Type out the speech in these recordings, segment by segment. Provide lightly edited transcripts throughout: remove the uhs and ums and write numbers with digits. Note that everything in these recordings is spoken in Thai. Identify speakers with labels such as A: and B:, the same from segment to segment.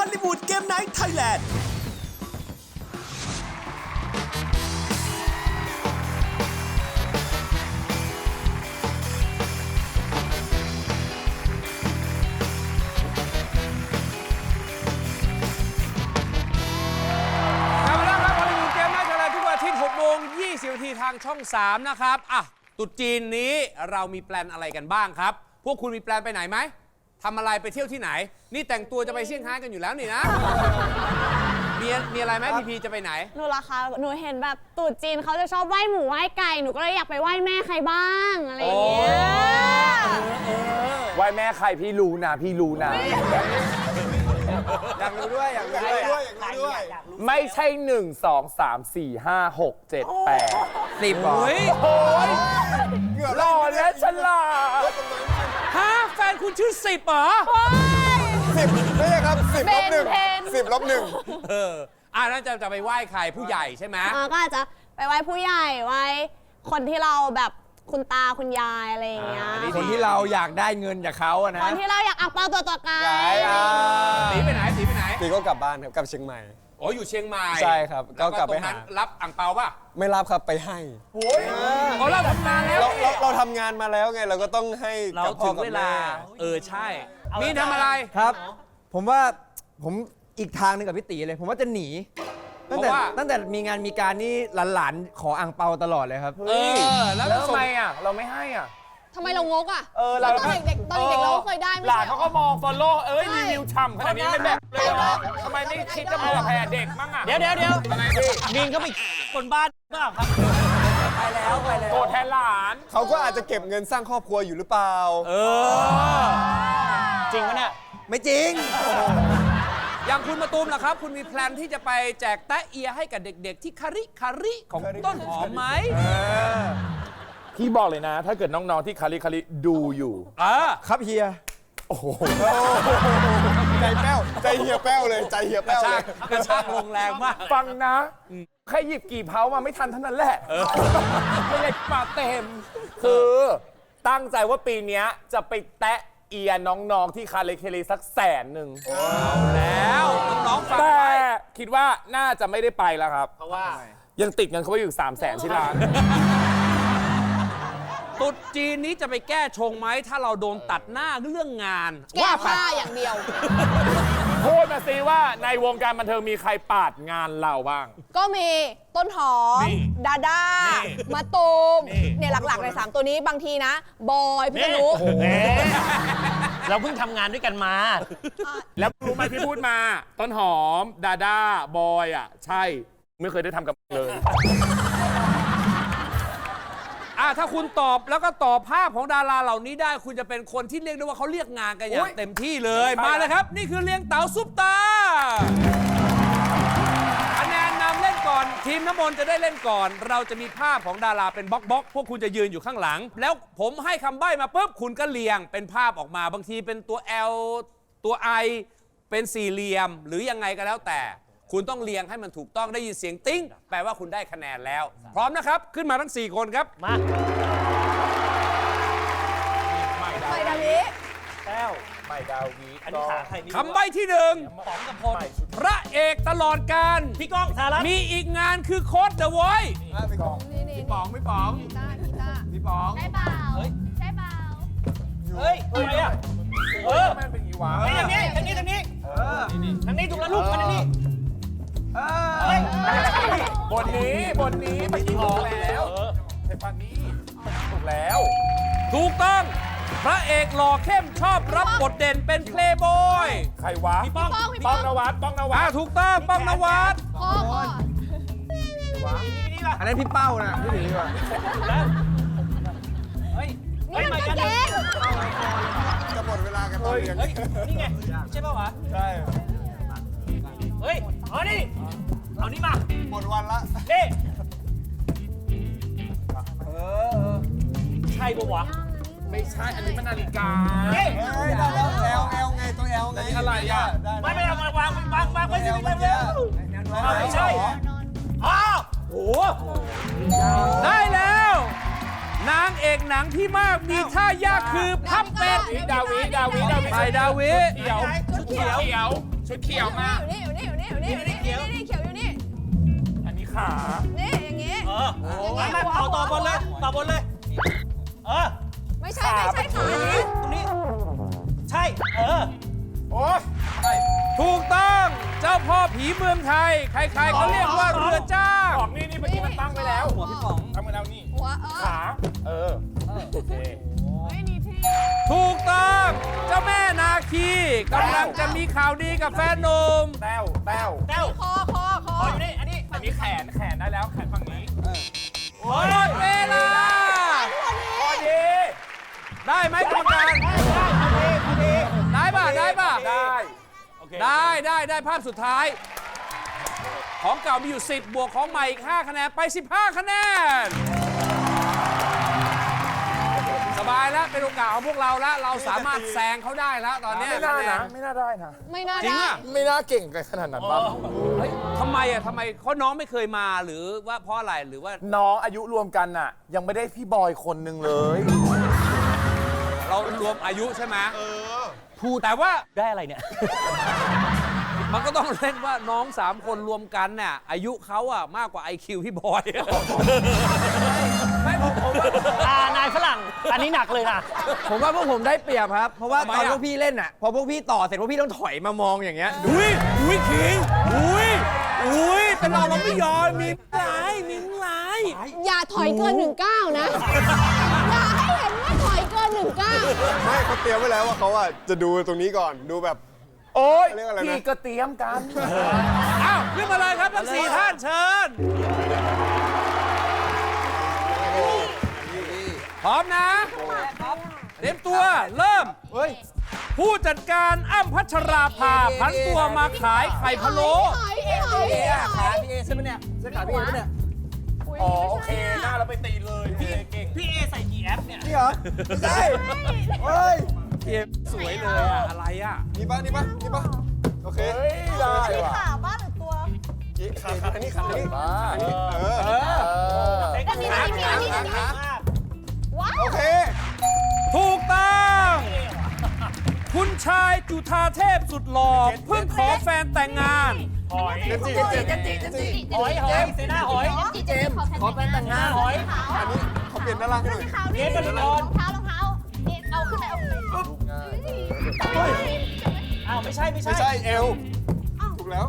A: ลลีวูดเกมไนท์ไทยแลนด์
B: 20 นาทีทางช่อง 3 นะครับอ่ะตรุษจีนนี้เรามีแปลนอะไรกันบ้างครับ พวกคุณมีแปลนไปไหนไหมทำอะไรไปเที่ยวที่ไหน นี่แต่งตัวจะไปเซี่ยงไฮ้กันอยู่แล้วนี่นะ มีอะไรไหมพีจะไปไหน
C: หนูล่ะคะหนูเห็นแบบตรุษจีนเขาจะชอบไหว้หมูไหว้ไก่หนูก็เลยอยากไปไหว้แม่ใครบ้างอะไรอย่างเงี้ย
D: ไหว้แม่ใครพี่รู้นะพี่รู้นะ
B: อยากรู้ด้วยอยากรู้ด้วย
D: ไม่ใช่1 2 3 4 5 6 7 8 10หรอโอ้ยหล่อและฉลาด
B: ฮะแฟนคุณชื่อ10เหรอ
E: 10ไม่ใช่ครับ10 ลบ 1 10 ลบ
B: นั่นจะไปไหว้ใครผู้ใหญ่ใช่ไหม
C: ก็อาจจะไปไหว้ผู้ใหญ่ไหว้คนที่เราแบบคุณตาคุณยายอะไรอย่างเงี้ย
D: คนที่เราอยากได้เงินจากเขาอะนะ
C: คนที่เราอยากอักเปาตัวต่อกัน
B: ตีไปไหน
E: 1ปีก็กลับบ้านครับกลับเชียงใหม่
B: โอ้อยู่เชียงใหม่
E: ใช่ครับก็กลับไปหา
B: แวตรงนั้นรับอ่างเปาป่ะ
E: ไม่รับครับไปให้
B: อ๋อเราทำงานแล้ว
E: เราทำงานมาแล้วไงเราก็ต้องให้กับพ่อกับแม่
B: ใช่มีทำอะไร
F: ครับ ผมว่าผมอีกทางหนึ่งกับพี่ตีเลย ผมว่าจะหนีตั้งแต่มีงานมีการนี่หลานๆขออ่างเปาตลอดเลยครับ
B: แล้ว
D: ทำไมอ่ะเราไม่ให้อ่ะ
C: ทำไมเรางกอ่ะ
D: เรา
C: ตอนเด็กๆเราก็เคยได้ไม่
D: หลา
C: ใช่
D: น
C: เหร
D: เขา
C: อ
D: ก็มองฟอลโล่รีวิวฉ่ำขนาดนี้เป็นแบบเลยเหรอทำไมไม่คิดจะมาแผ่เด็กมั่งอ่ะ
G: เดี๋ยวมีนก็ไปคนบ้านเปล่าครับ
F: ไปแล้ว
D: โกรธแทนหลาน
E: เขาก็อาจจะเก็บเงินสร้างครอบครัวอยู่หรือเปล่า
G: จริงปะเนี่ย
F: ไม่จริง
B: อย่างคุณมาตูมล่ะครับ คุณมีแพลนที่จะไปแจกแตะเอียให้กับเด็กๆ ที่คาริของต้นหอมไหม
D: พี่บอกเลยนะ ถ้าเกิดน้องๆที่คาริดูอยู่
F: ครับเฮีย
E: ใจแป้วใจเหี่ยวแป้วเลยใจเหี่ยวแป้วเลย
B: กระชากลงแรงมาก
D: ฟังนะแค่หยิบกี่เผามาไม่ทันเท่านั้นแหละไม่ได้มาเต็ม คือตั้งใจว่าปีนี้จะไปแตะเอียน้องๆที่คาริสัก100,000
B: แล้วน้องๆฟัง
D: แต่
B: ไว้
D: คิดว่าน่าจะไม่ได้ไปแล้วครับ เพราะว่ายังติดเงินเขาไว้อยู่300,000ที่ร้าน
B: ตรุษจีนนี้จะไปแก้ชงไหมถ้าเราโดนตัดหน้าเรื่องงาน
C: แก้ผ้าอย่างเดียว
D: พูดมาสิว่าในวงการบันเทิงมีใครปาดงานเราบ้าง
H: ก็มีต้นหอม ดาด้า มาตูมเนี่ยหลักๆใน3ตัวนี้บางทีนะ บอยพี่นุ
G: เราเพิ่งทำงานด้วยกันมา
D: แล้วรู้ไหมที่พูดมา ต้นหอม ดาด้า บอยอ่ะ ใช่ ไม่เคยได้ทำกับเลย
B: ถ้าคุณตอบแล้วก็ตอบภาพของดาราเหล่านี้ได้คุณจะเป็นคนที่เรียกได้ว่าเขาเรียกงานกันอย่างเต็มที่เลย มาเลยครับ นี่คือเรียงเต๋าซุปตาคะแนนนำเล่นก่อนทีมน้ำมนต์จะได้เล่นก่อน เราจะมีภาพของดาราเป็นบล็อกพวกคุณจะยืนอยู่ข้างหลัง แล้วผมให้คำใบ้มาปุ๊บคุณก็เรียงเป็นภาพออกมาบางทีเป็นตัว L ตัว I เป็นสี่เหลี่ยมหรือยังไงก็แล้วแต่คุณต้องเรียงให้มันถูกต้องได้ยินเสียงติ้งแปลว่าคุณได้คะแนนแล้ว พร้อมนะครับขึ้นมาทั้ง4คนครับ
G: มา
H: ไปดาวิ
G: แต้ว
D: ไม่ดาวี
G: อันนี้ขาใครนี่
B: คำใบ้ที่หนึ่ง
G: ป๋องกับพล
B: พระเอกตลอดการ
G: พี่ก้องสารัตน์
B: มีอีกงานคือโค้ดเดอะไวท์
H: นี่
B: ป๋องไม่ป๋อง
H: กีตาร์
B: พี่ป๋อง
C: ใช่เปล่า ใช่เปล่า
G: เฮ้ยทำไมอ่ะ
D: มันเป็นอีวะ
G: ทางนี้ทางนี้ทางนี้ทางนี้ถูกแล้วลูกมาทางนี้เฮ้ย
D: บทนี้เมื่อกี้ถูกแล้วไอ้ฟันนี้ถูกแล้ว
B: ถูกต้อง พระเอกหล่อเข้มชอบรับบทเด่นเป็นเพลย์บอย
D: ใครวะ
G: พี่ป้อง
D: ป้องนวัดป้องนวัด
B: ถูกต้องป้องนวัด
H: พ่อ
G: นี่ล่ะ
F: อันนั้นพี่เป้านะพี่ตีดีกว่า
G: แล้วเฮ้ย
H: นี่มันก็เก่ง
E: จะหมดเวลากันตอนเรียน
G: เฮ้ยนี่ไงใช่ป่าวะ
E: ใช่
G: เฮ้ยเอานี่เอานี่มา
E: หมดวันละ
G: นี่ใช่ป่าวะ
D: ไม่ใช่ อันนี้มันนาฬิกา
G: นี่
E: เฮ้ยได้แล้วแอลไงตัวแอลไง
D: อะไรอ่ะ
G: ไม่เอามาวางไว้สิไว้ไม่ใช่อ้าว
B: โอ้โหได้แล้ว นางเอกหนังที่มากมีท่ายากคือพับเป็ด
D: ดาวี
B: ไปดาวิ
D: เขียวชุดเขียวมา
H: อยู่นี่เขียวอยู่นี่
D: อันนี้ขา
H: นี่อย่างงี้
G: มาต่อบนเลย
H: ไม่ใช่ขา
G: ตรงนี้ ใช่
D: โอ้ย
B: ถูกต้องเจ้าพ่อผีเมืองไทย ใครๆเขาเรียกว่าเรือจ้าง
D: ของนี่เมื่อกี้มันตั้งไปแล้ว
G: หัวพี่ป๋อง
D: ตั้งไปแล้วนี่
H: หัว
D: ขาโอเค
C: ไม่นี่พี่
B: ถูกต้องเจ้าแม่นาคีกำลังจะมีข่าวดีกับแฟนหนุ่ม
D: แต้ว
G: แต้ว
H: คอ
G: อยู่นี่ อันนี้
D: อันนี้แขนได้แล้วแขนฝั่งนี้
B: หมดเวลา
D: พอดี
B: ได้ไหมกรรมการได้ป่ะ
D: ได้
B: ได้ภาพสุดท้าย ของเก่ามีอยู่ 10 บวกของใหม่อีก 5 คะแนน ไป 15 คะแนน สบายแล้ว เป็นโอกาสของพวกเราแล้ว เราสามารถแซงเขาได้แล้ว ตอนนี้
D: ไม่น่านะ ไม่น่าได้นะ
H: ไม่น่า
B: จริง
H: ได้
B: อ่ะ
D: ไม่น่าเก่งกันขนาดนั้นบ้าง
B: เฮ้ยทำไมเขาน้องไม่เคยมาหรือว่าเพราะอะไรหรือว่า
D: น้องอายุรวมกันน่ะ ยังไม่ได้พี่บอยคนหนึ่งเลย
B: เรารวมอายุใช่ไหมพูดแต่ว่า
G: ได้อะไรเนี่ย
B: มันก็ต้องเล่นว่าน้อง 3 คนรวมกันเนี่ยอายุเขาอะมากกว่า IQ พี่บอย ไม่ผมว่า
G: นายฝรั่ง อันนี้หนักเลยนะ
F: ผมว่าพวกผมได้เปรียบครับ เพราะว่า
B: ทำไม
F: ตอน
B: อะ
F: พวกพี่เล่นอ่ะ พอพวกพี่ต่อเสร็จพวกพี่ต้องถอยมามองอย่างเงี้ย
B: อุ้ยขิงอุ้ยแต่เราไม่ยอมมีร้าย
C: อย่าถอยเกิน19นะ อย่าให้เห็นว่าถอยเกิน19
E: ไม่เขาเตรียมไว้แล้วว่าเขาจะดูตรงนี้ก่อนดูแบบ
D: โอ้ย
E: เรียกอะไรนะ
D: พี่ก็เตรียมกัน
B: อ้าวขึ้นมาเลยครับทั้ง4 ท่านเชิญ พร้อมนะ เตรียมตัวเริ่ม ผู้จัดการอ้ำพัชราภาผันตัวมาขายไข่พะโล้
F: ขาพี่เอใช่ไหมเนี่ยเสื้อขาพี่เอใช่ไหมเนี่ย
D: อ๋อโอเค หน้าเราไปตีเลยพี่เก่ง
G: พี่เอใส่กี่แอปเนี่ย
F: นี่เหรอ ไม่ใช่เฮ้ย
B: สวยเลยอะอะไรอะ
E: นี่ปะโอเค
D: เฮ้ยได้ว่ะ
H: ขาบ้านหรือตัว
E: ขาอันนี้ขาอันนี้
D: บ้า
H: อันนี้
E: โอเค
B: ถูกต้องคุณชายจุฑาเทพสุดหล่อเพิ่งขอแฟนแต่งงาน
G: หอย
E: เจมส์
G: หอยเซน่าหอย
E: เจมส์ขอแฟนแต่งงาน
G: หอย
E: อันนี้เขาเปลี่ยนด้านล่างให้หน่อย
G: เกมบอลลอน
H: รองเท้นี่เอาขึ้นไป
G: อ้าวไม่ใช่
E: ไม่ใช่เอลถูกแล้ว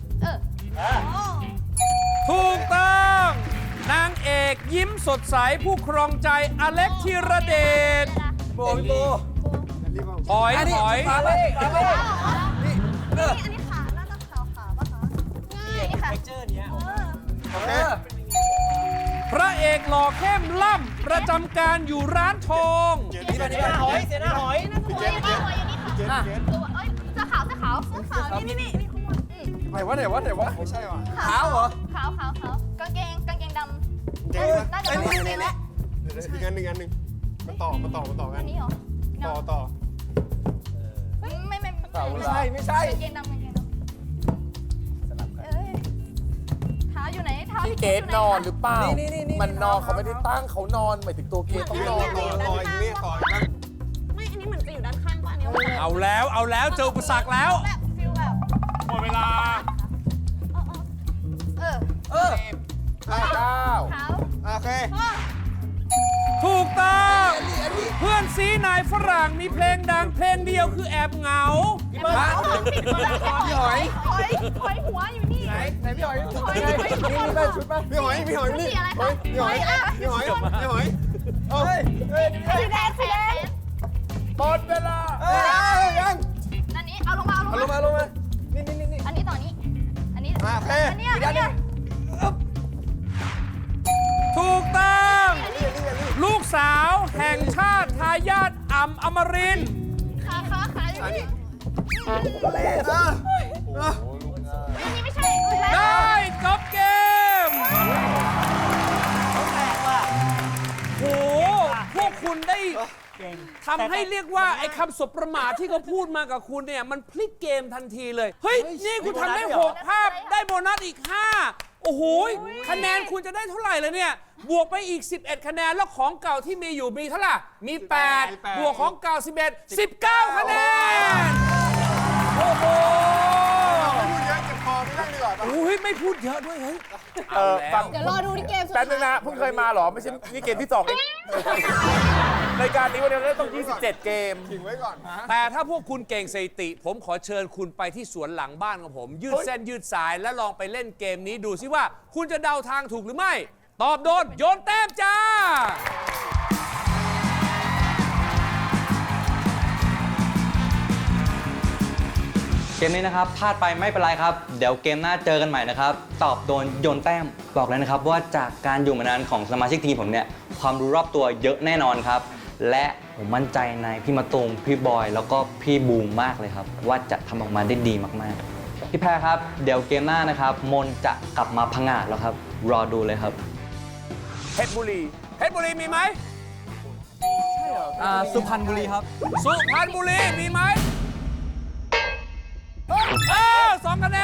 B: ถูกต้องนางเอกยิ้มสดใสผู้ครองใจอเล็กธีรเดช
F: โบพี่โบ
B: ถอย
F: อันนี้
B: ถอย
F: ขาเลยขาเลย
H: อันนี้ขาน่าจะขาป่ะคะง่ายนี่ค่ะ
G: เจอเนี้ย
E: โอเค
B: พระเอกหล่อเข้มล่ำประจำการอยู่ร้านทอง
G: เซน่าหอยเซน่าหอย
E: พี่เจมส์เจมส์
H: ตัวเอ้ยเสื้อขาวนี่ข้างบน
E: ไหนวะไม่ใช่ว่ะ
F: ขาวเหรอ
H: ขาวกางเกงดำ
E: เจมส์
H: น่าจะเป็นกางเกงแหละ
E: อีกอันหนึ่งมันต่อกั
H: อั
E: น
H: นนี้เหรอ
E: ต่อ
H: ไม่
F: ไม่ใช่
H: กางเกงดำเอ้ยเท้าอยู่ไหนเท้า
D: พี่เกดนอนหรือเปล่า
F: นี่
D: มันนอนเขาไม่ได้ตั้งเขานอนหมายถึงตัวเกดต้องนอน
E: ต่ออีกนี่ต่ออีกบ้าง
C: ไม่ อันนี้เหมือนจะอยู่ด้านข้างป่ะอันนี้
B: เอาแล้วเจออุปสรรคแล้ว
H: แบบฟิลแบบ
B: หมดเวลา
D: เก้า
H: เท้า
E: โอเค
B: ถูกต้องเพื่อนซีนายฝรั่งมีเพลงดังเพลงเดียวคือแอบเหงา
F: พี่หอย
H: หอยหัวอยู่นี่
F: ไหนพี่หอย
H: หอย
F: นี่ป่ะชุดป่ะ
E: พี่หอยนี่พี่หอยเอ้ย
H: สีแดง
D: หมดเวลา
F: ยัง
H: อันนี้เอาลงมา
F: ลงมานี่
H: อันนี้ต่อนี้อันนี้
E: โอเค
H: อันนี้
B: ถูกต้องลูกสาวแห่งชาติทายาทอ่ำอมรินทร์
H: ขาอยู่นี่นี่ไม่ใช่
B: ได้จบเกมโหพวกคุณได้ทำให้เรียกว่าไอ้คำสบประมาทที่เขาพูดมากับคุณเนี่ยมันพลิกเกมทันทีเลย เฮ้ย นี่คุณทำได้ 6 ภาพได้โบนัสอีก 5 โอ้โหคะแนนคุณจะได้เท่าไหร่เลยเนี่ย บวกไปอีก 11 คะแนน แล้วของเก่าที่มีอยู่มีเท่าไหร่มี 8 บวกของเก่า 11 19 คะแนน โอ้โหไม่พูดเยอะด้วยเฮ้ย
D: ฟัง
H: เดี๋ยวรอดูที่เกมสุด
D: แป๊บนึง
H: ท้าย
D: นะเพิ่งเคยมาเหรอ ไม่ใช่นี่เกมที่2เองรายการนี้วันนี้เราต้อง 27 เกม
E: ถิงไว้ก่อน
B: แต่ถ้าพวกคุณเก่งสถิติ ผมขอเชิญคุณไปที่สวนหลังบ้านของผม ยืดเส้นยืดสายและลองไปเล่นเกมนี้ดูซิว่า คุณจะเดาทางถูกหรือไม่ ตอบโดนโยนแต้มจ้า
I: เกมนี้นะครับพลาดไปไม่เป็นไรครับ เดี๋ยวเกมหน้าเจอกันใหม่นะครับ ตอบโดนโยนแต้มบอกเลยนะครับว่าจากการอยู่มานานของสมาชิกทีมผมเนี่ยความรู้รอบตัวเยอะแน่นอนครับ และผมมั่นใจในพี่มะตูมพี่บอยแล้วก็พี่บูมมากเลยครับ ว่าจะทำออกมาได้ดีมากๆพี่แพรครับเดี๋ยวเกมหน้านะครับมนจะกลับมาพังงาดแล้วครับรอดูเลยครับ
D: เพชรบุรี
B: เพชรบุรีมีไหม
F: สุพรรณบุรีครับ
B: สุพรรณบุรีมีไหม2 คะแน